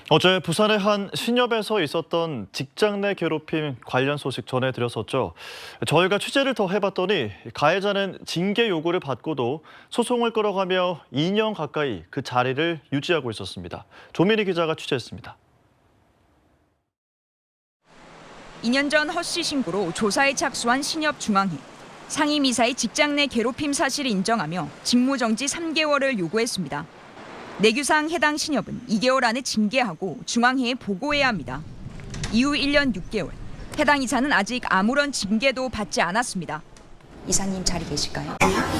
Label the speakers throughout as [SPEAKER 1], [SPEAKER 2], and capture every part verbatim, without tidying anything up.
[SPEAKER 1] 어제 부산의 한 신협에서 있었던 직장 내 괴롭힘 관련 소식 전해드렸었죠. 저희가 취재를 더 해봤더니 가해자는 징계 요구를 받고도 소송을 끌어가며 이 년 가까이 그 자리를 유지하고 있었습니다. 조민희 기자가 취재했습니다.
[SPEAKER 2] 이 년 전 허 씨 신고로 조사에 착수한 신협 중앙회. 상임이사의 직장 내 괴롭힘 사실을 인정하며 직무정지 삼 개월을 요구했습니다. 내규상 해당 신협은 이 개월 안에 징계하고 중앙회에 보고해야 합니다. 이후 일 년 육 개월. 해당 이사는 아직 아무런 징계도 받지 않았습니다. 이사님 자리 계실까요?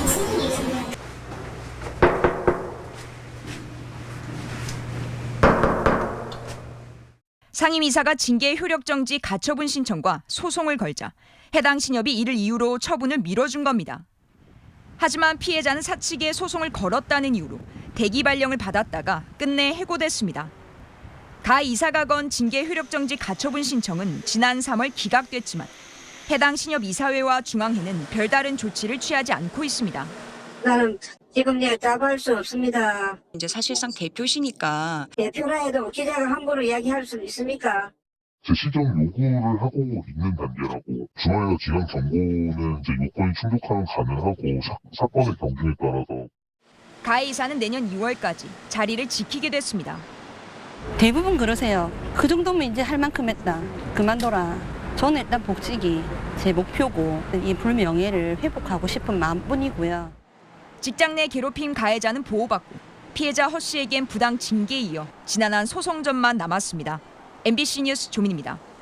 [SPEAKER 2] 상임이사가 징계 효력정지 가처분 신청과 소송을 걸자 해당 신협이 이를 이유로 처분을 미뤄준 겁니다. 하지만 피해자는 사측에 소송을 걸었다는 이유로 대기 발령을 받았다가 끝내 해고됐습니다. 가 이사가 건 징계 효력정지 가처분 신청은 지난 삼월 기각됐지만 해당 신협 이사회와 중앙회는 별다른 조치를 취하지 않고 있습니다.
[SPEAKER 3] 나는 지금 예 답할 수 없습니다.
[SPEAKER 2] 이제 사실상 대표시니까
[SPEAKER 3] 대표라 해도 기자가 함부로 이야기할 수 있습니까?
[SPEAKER 4] 제 시정 요구를 하고 있는 단계라고 중앙에서 기각 정보는 이제 요건이 충족하면 가능하고 사, 사건의 경중에 따라서
[SPEAKER 2] 가 이사는 내년 이월까지 자리를 지키게 됐습니다.
[SPEAKER 5] 대부분 그러세요. 그 정도면 이제 할 만큼 했다. 그만둬라. 저는 일단 복직이 제 목표고 이 불명예를 회복하고 싶은 마음뿐이고요.
[SPEAKER 2] 직장 내 괴롭힘 가해자는 보호받고 피해자 허 씨에겐 부당 징계에 이어 지난한 소송전만 남았습니다. 엠비씨 뉴스 조민입니다.